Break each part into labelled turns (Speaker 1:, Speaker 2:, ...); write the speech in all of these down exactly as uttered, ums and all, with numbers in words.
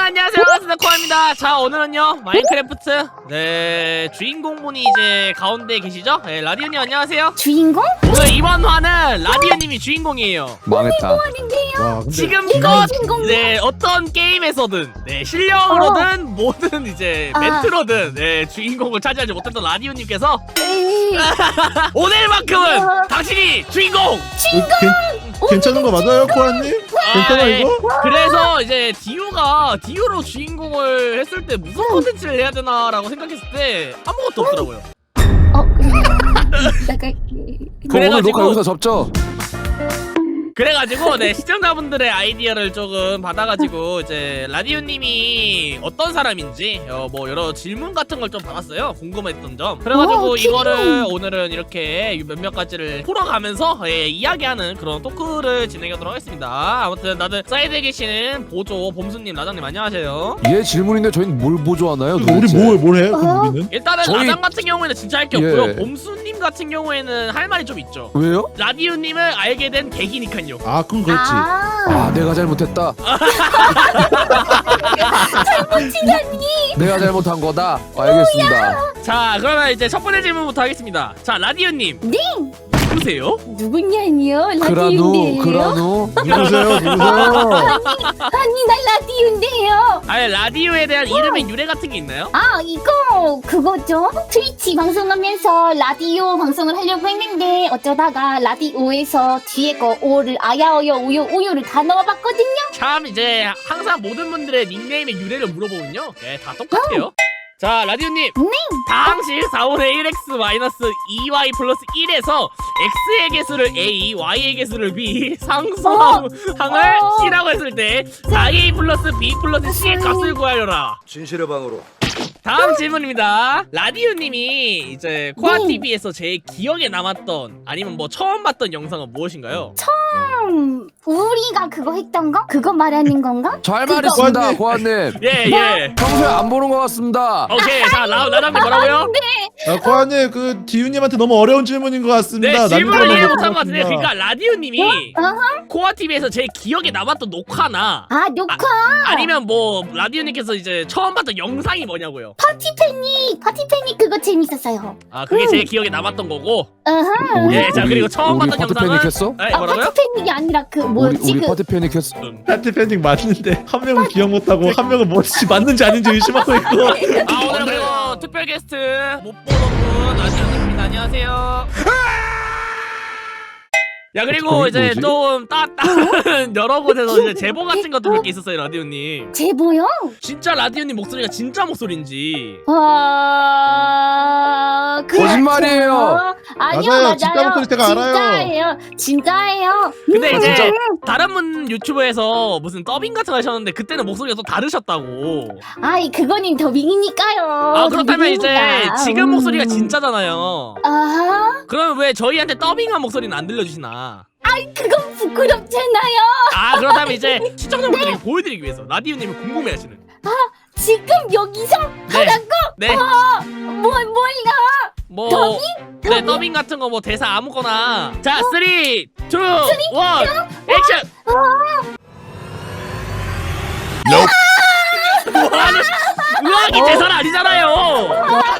Speaker 1: 안녕하세요, 반갑습니다. 코아입니다. 자, 오늘은요 마인크래프트 네 주인공분이 이제 가운데 계시죠? 네, 라디오님 안녕하세요.
Speaker 2: 주인공?
Speaker 1: 오늘 이번 화는 라디오님이 주인공이에요.
Speaker 3: 망했다.
Speaker 2: 아닌데요.
Speaker 1: 지금껏
Speaker 2: 주인공이야?
Speaker 1: 네 어떤 게임에서든 네 실력으로든 뭐든 이제
Speaker 2: 아.
Speaker 1: 멘트로든 네 주인공을 차지하지 못했던 라디오님께서
Speaker 2: 에이,
Speaker 1: 오늘만큼은
Speaker 2: 어.
Speaker 1: 당신이 주인공!
Speaker 4: 괜찮은 거 맞아요, 코아님? 괜찮아
Speaker 1: 네.
Speaker 4: 이거?
Speaker 1: 그래서 이제 디오가 디오로 주인공을 했을 때 무슨 컨텐츠를 해야 되나라고 생각했을 때 아무것도 없더라고요.
Speaker 2: 어, 나갈게.
Speaker 3: 그럼 오늘 녹화 여기서 접죠.
Speaker 1: 그래가지고 네 시청자분들의 아이디어를 조금 받아가지고 이제 라디오님이 어떤 사람인지 어, 뭐 여러 질문 같은 걸 좀 받았어요. 궁금했던 점. 그래가지고
Speaker 2: 오,
Speaker 1: 이거를 오늘은 이렇게 몇몇 가지를 풀어가면서 예, 이야기하는 그런 토크를 진행하도록 하겠습니다. 아무튼 나는 사이드에 계시는 보조 봄수님, 라장님 안녕하세요.
Speaker 3: 얘 질문인데 저희는 뭘 보조하나요?
Speaker 4: 우리
Speaker 3: 도대체?
Speaker 4: 뭘, 뭘 해?
Speaker 2: 어?
Speaker 4: 그럼 우리는?
Speaker 1: 일단은
Speaker 3: 저희-
Speaker 1: 라장 같은 경우에는 진짜 할 게
Speaker 3: 예.
Speaker 1: 없고요. 봄수님 같은 경우에는 할 말이 좀 있죠.
Speaker 3: 왜요?
Speaker 1: 라디오님을 알게 된 계기니까요.
Speaker 4: 아, 그럼 그렇지.
Speaker 2: 아,
Speaker 3: 아 내가 잘못했다.
Speaker 2: 잘못이라니.
Speaker 3: 내가 잘못한 거다. 알겠습니다.
Speaker 1: 자, 그러면 이제 첫 번째 질문부터 하겠습니다. 자, 라디오님.
Speaker 2: 네.
Speaker 1: 누구세요?
Speaker 2: 누구냐니요?
Speaker 3: 그라누
Speaker 2: 라디오인데요.
Speaker 3: 그라누.
Speaker 4: 누구세요? 누구세요?
Speaker 2: 아니, 나 라디오인데요.
Speaker 1: 아니, 라디오에 대한 이름의 유래 같은 게 있나요?
Speaker 2: 아, 이거 그거죠? 트위치 방송하면서 라디오 방송을 하려고 했는데 어쩌다가 라디오에서 뒤에 거 오를 아야어여 우요 우요를 다 넣어봤거든요.
Speaker 1: 참 이제 항상 모든 분들의 닉네임의 유래를 물어보면요. 네, 다 똑같아요. 자, 라디오님.
Speaker 2: 네.
Speaker 1: 당시 사분의 일 엑스 마이너스 이 와이 플러스 일에서 X의 개수를 A, Y의 개수를 B, 상수항을
Speaker 2: 어.
Speaker 1: C라고 했을 때 사 에이 플러스 B 플러스 C의 값을 구하여라.
Speaker 5: 진실의 방으로.
Speaker 1: 다음 질문입니다. 라디오님이 이제 코아티비에서 제일 기억에 남았던 아니면 뭐 처음 봤던 영상은 무엇인가요?
Speaker 2: 음, 우리가 그거 했던 거? 그거 말하는 건가?
Speaker 3: 잘
Speaker 2: 그거-
Speaker 3: 말했습니다, 고아님.
Speaker 1: 예, 예.
Speaker 3: 평소에 안 보는 것 같습니다.
Speaker 1: 오케이. 자, 라, 라장님 뭐라고요?
Speaker 4: 아, 코아님, 그 디유님한테 너무 어려운 질문인 것
Speaker 1: 네,
Speaker 4: 같습니다.
Speaker 1: 질문을
Speaker 4: 남들은
Speaker 1: 이해
Speaker 4: 못
Speaker 1: 못한 것 같은데.
Speaker 4: 봤습니다.
Speaker 1: 그러니까 라디오님이
Speaker 2: 어허.
Speaker 1: 코아티비에서 제일 기억에 남았던 녹화나
Speaker 2: 아, 녹화.
Speaker 1: 아니면 뭐 라디오님께서 이제 처음 봤던 영상이 뭐냐고요?
Speaker 2: 파티 패닉. 파티 패닉 그거 재밌었어요.
Speaker 1: 아, 그게 제일 기억에 남았던 거고.
Speaker 2: 어허.
Speaker 3: 우리-
Speaker 1: 예, 자,
Speaker 3: 우리-
Speaker 1: 그리고 처음
Speaker 3: 우리
Speaker 1: 봤던
Speaker 3: 파트
Speaker 1: 영상은
Speaker 3: 패닉했어?
Speaker 1: 네,
Speaker 2: 아,
Speaker 1: 뭐라고요?
Speaker 2: 파티 패닉이 아니라 그
Speaker 3: 우리
Speaker 2: 뭐였지?
Speaker 3: 우리
Speaker 2: 그
Speaker 3: 파트 패닉했어.
Speaker 1: 음.
Speaker 4: 파티 팬딩 맞는데 한 명은 기억 못하고 한 명은 뭐지 맞는지 아닌지 의심하고 있고.
Speaker 1: 아, 오늘 그리고 특별 게스트 못 보던 분 라디오님입니다. 안녕하세요. 야, 그리고
Speaker 3: 저기
Speaker 1: 이제
Speaker 3: 뭐지?
Speaker 1: 좀 따, 다른 여러 곳에서 이제 제보 같은 것도 몇 개 있었어요, 라디오님.
Speaker 2: 제보요?
Speaker 1: 진짜 라디오님 목소리가 진짜 목소리인지.
Speaker 2: 와, 그렇죠.
Speaker 3: 거짓말이에요.
Speaker 2: 아니요,
Speaker 4: 맞아요.
Speaker 2: 맞아요.
Speaker 4: 진짜 목소리 제가 알아요.
Speaker 2: 진짜예요. 진짜예요.
Speaker 1: 근데
Speaker 3: 아,
Speaker 1: 이제
Speaker 3: 진짜?
Speaker 1: 다른 분 유튜브에서 무슨 더빙 같은 거 하셨는데 그때는 목소리가 또 다르셨다고.
Speaker 2: 아이, 그거는 더빙이니까요.
Speaker 1: 아, 그렇다면 이제
Speaker 2: 더빙이니까.
Speaker 1: 지금
Speaker 2: 음.
Speaker 1: 목소리가 진짜잖아요.
Speaker 2: 아하.
Speaker 1: 그럼 왜 저희한테 더빙한 목소리는 안 들려주시나?
Speaker 2: 아이, 그건 부끄럽잖아요.
Speaker 1: 아, 그렇다면 이제 시청자분들에게 보여드리기 위해서 라디오님이 궁금해하시는.
Speaker 2: 지금 여기서
Speaker 1: 네.
Speaker 2: 하라고?
Speaker 1: 네.
Speaker 2: 어, 뭘, 몰라.
Speaker 1: 뭐
Speaker 2: 더빙?
Speaker 1: 네, 더빙 같은 거 뭐 대사 아무거나. 자, 삼, 이, 일, 액션. 뭐하는 의학이 대사는 아니잖아요.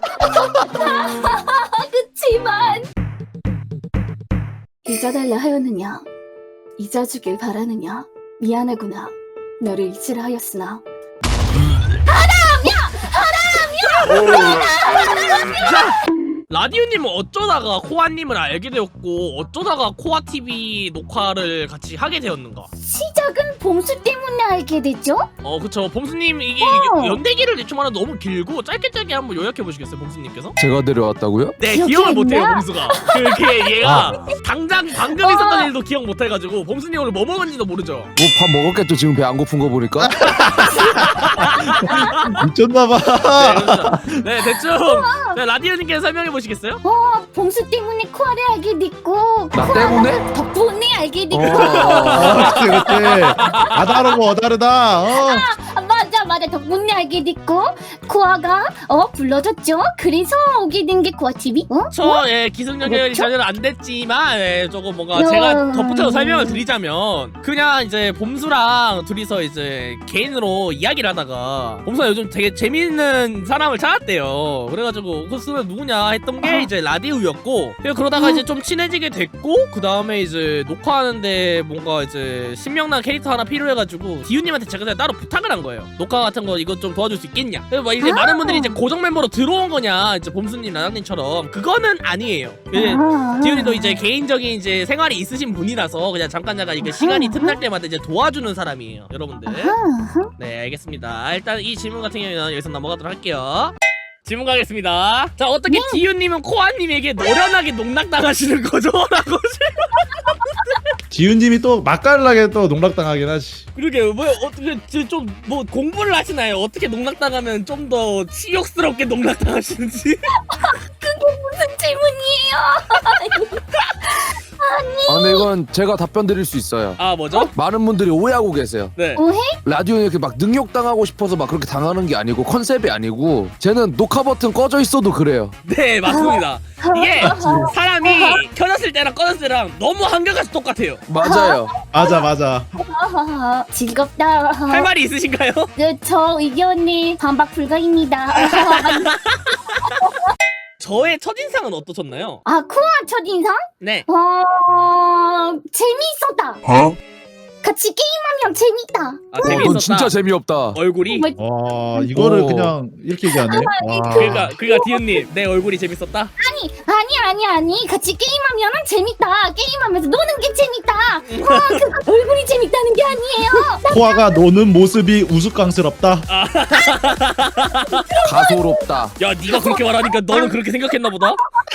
Speaker 2: 그치만. 잊어달라 하였느냐? 잊어주길 바라느냐? 미안하구나. 너를 잊으라 하였으나.
Speaker 1: 라디오님은 어쩌다가 코아님을 알게 되었고 어쩌다가 코아티비 녹화를 같이 하게 되었는가?
Speaker 2: 시작은 봄수 때문에 알게 됐죠?
Speaker 1: 어, 그쵸. 봄수님 이게
Speaker 2: 어.
Speaker 1: 연대기를 대충하면 너무 길고 짧게 짧게 한번 요약해 보시겠어요, 봄수님께서?
Speaker 3: 제가 데려왔다고요?
Speaker 1: 네,
Speaker 2: 기억이
Speaker 1: 기억을
Speaker 2: 안
Speaker 1: 못해요,
Speaker 2: 나?
Speaker 1: 봄수가. 그게 얘가 당장 방금
Speaker 2: 어.
Speaker 1: 있었던 일도 기억 못해가지고 봄수님 오늘 뭐 먹은지도 모르죠.
Speaker 3: 뭐 밥 먹었겠죠. 지금 배 안 고픈 거 보니까.
Speaker 4: 미쳤나봐.
Speaker 1: 네, 그렇죠. 네, 대충 네, 라디오님께서 설명해 보시겠어요?
Speaker 2: 어, 봄수 때문에 코아를 알게 됐고.
Speaker 3: 나
Speaker 2: 코아는
Speaker 3: 때문에?
Speaker 2: 덕분에 알게 됐고.
Speaker 3: 어.
Speaker 4: 아, 그치, 그치. 아, 다르고 어, 다르다. 어.
Speaker 2: 아, 맞아, 맞아. 덕분에 알게 됐고 코아가 어 불러줬죠. 그래서 오게 된 게 코아 티비. 어?
Speaker 1: 저 예, 기승전결이
Speaker 2: 그렇죠?
Speaker 1: 전혀 안 됐지만 예, 조금 뭔가
Speaker 2: 야.
Speaker 1: 제가 덧붙여서 설명을 드리자면 그냥 이제 봄수랑 둘이서 이제 개인으로 이야기를 하다가 봄수가 요즘 되게 재밌는 사람을 찾았대요. 그래가지고 그 사람 누구냐 했던 게 이제 라디우였고 그리고 그러다가 이제 좀 친해지게 됐고 그 다음에 이제 녹화하는데 뭔가 이제 신명난 캐릭터 하나 필요해가지고 디유님한테 제가 그냥 따로 부탁을 한 거예요. 녹화 같은 거 이거 좀 도와줄 수 있겠냐. 그래서 막 이제
Speaker 2: 아.
Speaker 1: 많은 분들이 이제 고정 멤버로 들어온 거냐 이제 봄수님 라장님처럼 그거는 아니에요. 예,
Speaker 2: 아.
Speaker 1: 디유리도 이제 개인적인 이제 생활이 있으신 분이라서 그냥 잠깐 잠깐 이게 시간이 틈날 때마다 이제 도와주는 사람이에요, 여러분들.
Speaker 2: 아하.
Speaker 1: 네, 알겠습니다. 일단 이 질문 같은 경우는 여기서 넘어가도록 할게요. 질문 가겠습니다. 자, 어떻게 디유님은 코아님에게 노련하게 농락당하시는 거죠? 라고.
Speaker 4: 지훈님이 또 맛깔나게 또 농락당하긴 하지.
Speaker 1: 그러게 뭐 어떻게 좀 뭐 공부를 하시나요? 어떻게 농락당하면 좀 더 치욕스럽게 농락당하시는지?
Speaker 2: 무슨 질문이에요?
Speaker 3: 아 근데 이건 제가 답변 드릴 수 있어요.
Speaker 1: 아, 뭐죠?
Speaker 3: 많은 분들이 오해하고 계세요.
Speaker 1: 네.
Speaker 2: 오해?
Speaker 3: 라디오에 이렇게 막 능욕당하고 싶어서 막 그렇게 당하는 게 아니고 컨셉이 아니고 쟤는 녹화 버튼 꺼져 있어도 그래요.
Speaker 1: 네, 맞습니다. 이게 사람이 켜졌을 때랑 꺼졌을 때랑 너무 한결같이 똑같아요.
Speaker 3: 맞아요.
Speaker 4: 맞아 맞아.
Speaker 2: 아하하. 즐겁다.
Speaker 1: 할 말이 있으신가요?
Speaker 2: 네, 저 의견에 반박 불가입니다.
Speaker 1: 저의 첫인상은 어떠셨나요?
Speaker 2: 아, 코아 첫인상?
Speaker 1: 네.
Speaker 2: 어, 재미있었다.
Speaker 3: 어?
Speaker 2: 같이 게임하면 재밌다.
Speaker 1: 아,
Speaker 3: 어,
Speaker 1: 재미있었다.
Speaker 3: 넌 진짜 재미없다.
Speaker 1: 얼굴이?
Speaker 2: 뭐,
Speaker 4: 와 이거를
Speaker 3: 오.
Speaker 4: 그냥 이렇게 얘기하네. 와.
Speaker 1: 그러니까 그러니까 디은님 내 얼굴이 재밌었다.
Speaker 2: 아니, 아니, 아니, 아니. 같이 게임하면 재밌다. 게임하면서 노는 게 재밌다. 어, 그 얼굴이 재밌다는 게 아니에요.
Speaker 4: 코아가 노는 모습이 우스꽝스럽다.
Speaker 3: 가소롭다.
Speaker 1: 야, 네가 그렇게 말하니까 너는 그렇게 생각했나 보다.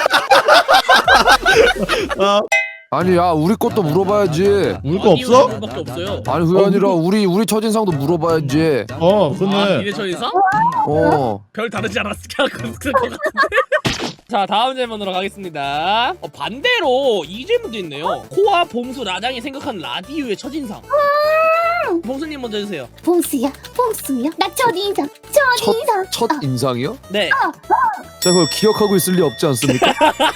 Speaker 4: 아,
Speaker 3: 아니 야 우리 것도 물어봐야지.
Speaker 4: 울 거 없어?
Speaker 1: 밖에 없어요.
Speaker 3: 아니 그게 아니라 우리 우리 첫인상도 물어봐야지.
Speaker 4: 어
Speaker 1: 아,
Speaker 4: 근데
Speaker 1: 니네 첫인상?
Speaker 3: 어.
Speaker 1: 별 다르지 않았을까? 그럴 것 같은데. 자, 다음 질문으로 가겠습니다. 어, 반대로 이 질문도 있네요. 코아, 봄수, 라장이 생각하는 라디오의 첫인상. 봄수님 먼저 해주세요.
Speaker 2: 봉수야, 봉수야. 나 첫인상, 첫인상.
Speaker 3: 첫 인상이요?
Speaker 1: 네.
Speaker 3: 제가 그걸 기억하고 있을 리 없지 않습니까?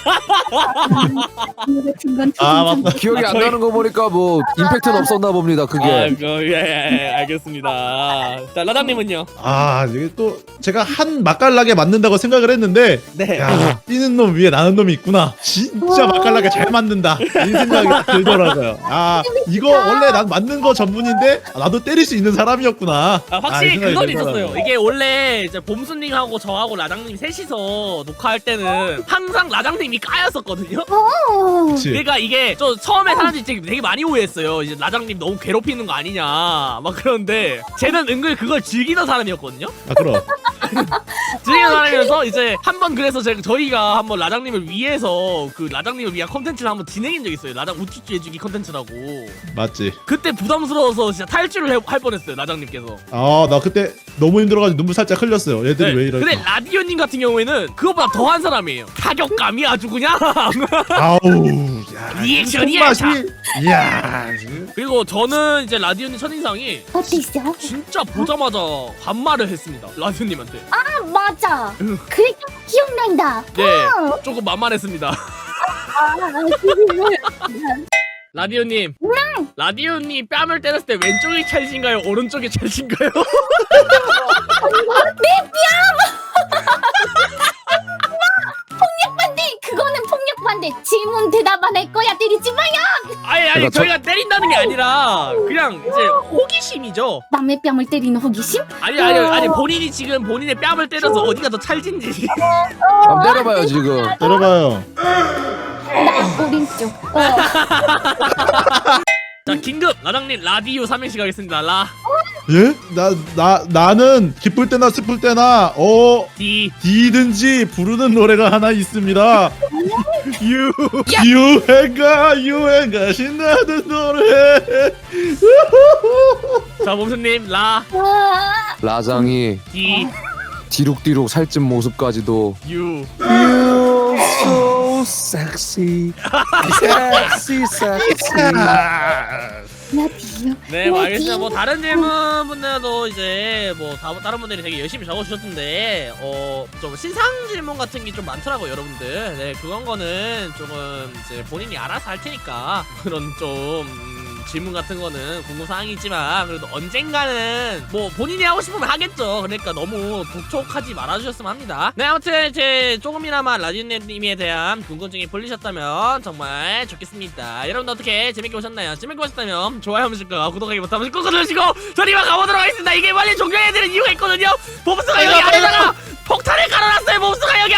Speaker 2: 같은 건
Speaker 4: 아,
Speaker 2: 첫인상.
Speaker 4: 맞다.
Speaker 3: 기억이 안
Speaker 1: 저희-
Speaker 3: 나는 거 보니까 뭐 임팩트는 없었나 봅니다.
Speaker 1: 아,
Speaker 3: 그게.
Speaker 1: 그, 예, 예, 예, 알겠습니다. 자, 라장님은요?
Speaker 4: 아 이게 또 제가 한 맛깔나게 맞는다고 생각을 했는데
Speaker 1: 네.
Speaker 4: 야 뛰는 놈 위에 나는 놈이 있구나. 진짜 맛깔나게 잘 맞는다. 이 생각이 딱 들더라고요. 아 이거 원래 난 맞는 거 전문인데 나도 때릴 수 있는 사람이었구나.
Speaker 1: 아, 확실히
Speaker 4: 이 생각이
Speaker 1: 그건
Speaker 4: 들더라고요.
Speaker 1: 있었어요. 이게 원래 이제 봄수님하고 저하고 라장님 셋이서 녹화할 때는 항상 라장님이 까였었거든요.
Speaker 2: 어.
Speaker 4: 그치.
Speaker 1: 그러니까 이게 좀 처음에 사람들이 되게, 되게 많이 오해했어요. 이제 라장님 너무 괴롭히는 거 아니냐 막 그런데 쟤는 은근 그걸 즐기는 사람이었거든요.
Speaker 4: 아 그럼.
Speaker 1: 즐기는 사람이면서 이제 한번 그래서 제가 저희가 한번 라장님을 위해서 그 라장님을 위한 컨텐츠를 한번 진행한 적이 있어요. 라장 우쭈쭈 해주기 컨텐츠라고.
Speaker 4: 맞지.
Speaker 1: 그때 부담스러워서 진짜 탈출을 해- 할 뻔했어요. 라장님께서.
Speaker 4: 아 나 그때 너무 힘들어가지고 눈물 살짝 흘렸어요. 얘들이
Speaker 1: 네,
Speaker 4: 왜 이럴까?
Speaker 1: 근데 라디오님 같은 경우에는 그것보다 더한 사람이에요. 타격감이 아주 그냥.
Speaker 4: 아우. 야,
Speaker 1: 리액션이
Speaker 4: 이 손맛이.
Speaker 1: 약하.
Speaker 4: 이야.
Speaker 1: 그리고 저는 이제 라디오님 첫인상이
Speaker 2: 어땠어?
Speaker 1: 진짜 보자마자 반말을 했습니다. 라디오님한테.
Speaker 2: 아, 맞아. 그래, 기억난다.
Speaker 1: 네,
Speaker 2: 어.
Speaker 1: 조금 만만했습니다.
Speaker 2: 아,
Speaker 1: 라디오님. 라디오님 뺨을 때렸을 때 왼쪽이 찰진가요? 오른쪽이 찰진가요?
Speaker 2: 반대. 그거는 폭력 반대. 질문 대답 안 할 거야. 때리지 마요.
Speaker 1: 아니 아니
Speaker 3: 그러니까 저-
Speaker 1: 저희가 때린다는 게 아니라 그냥 이제 호기심이죠.
Speaker 2: 남의 뺨을 때리는 호기심?
Speaker 1: 아니 아니 아니 본인이 지금 본인의 뺨을 때려서 어디가 더 찰진지.
Speaker 3: 한번 때려봐요 지금.
Speaker 4: 들어봐요.
Speaker 2: 나 오른쪽. 어.
Speaker 1: 자, 긴급 라장님 라디오 삼행시 가겠습니다. 라
Speaker 4: 예? 나, 나, 나는 기쁠 때나 슬플 때나, 어,
Speaker 1: 디
Speaker 4: 디든지 부르는 노래가 하나 있습니다. 유, 유행가, 유행가, 신나는 노래.
Speaker 1: 자, 봄수님 라
Speaker 2: 아,
Speaker 3: 라장이
Speaker 1: 디
Speaker 3: 디룩디룩 살찐 모습까지도.
Speaker 1: 유
Speaker 3: You so sexy, sexy, sexy.
Speaker 2: 라디오.
Speaker 1: 네, 뭐 알겠습니다.
Speaker 2: 라디오.
Speaker 1: 뭐 다른 질문분들도 이제 뭐 다, 다른 분들이 되게 열심히 적어주셨던데 어 좀 신상 질문 같은 게 좀 많더라고요, 여러분들. 네, 그런 거는 조금 이제 본인이 알아서 할 테니까 그런 좀 음, 질문 같은 거는 궁금사항이지만 그래도 언젠가는 뭐 본인이 하고 싶으면 하겠죠. 그러니까 너무 독촉하지 말아주셨으면 합니다. 네, 아무튼 이제 조금이나마 라디오님에 대한 궁금증이 풀리셨다면 정말 좋겠습니다. 여러분들 어떻게 재밌게 보셨나요? 재밌게 보셨다면 좋아요 한 번씩과 구독하기 버튼 꾹 눌러주시고 저리 막 가보도록 하겠습니다. 이게 빨리 종료해야 되는 이유가 있거든요. 몹스가 여기 안에다가 폭탄을 깔아놨어요. 몹스가 여기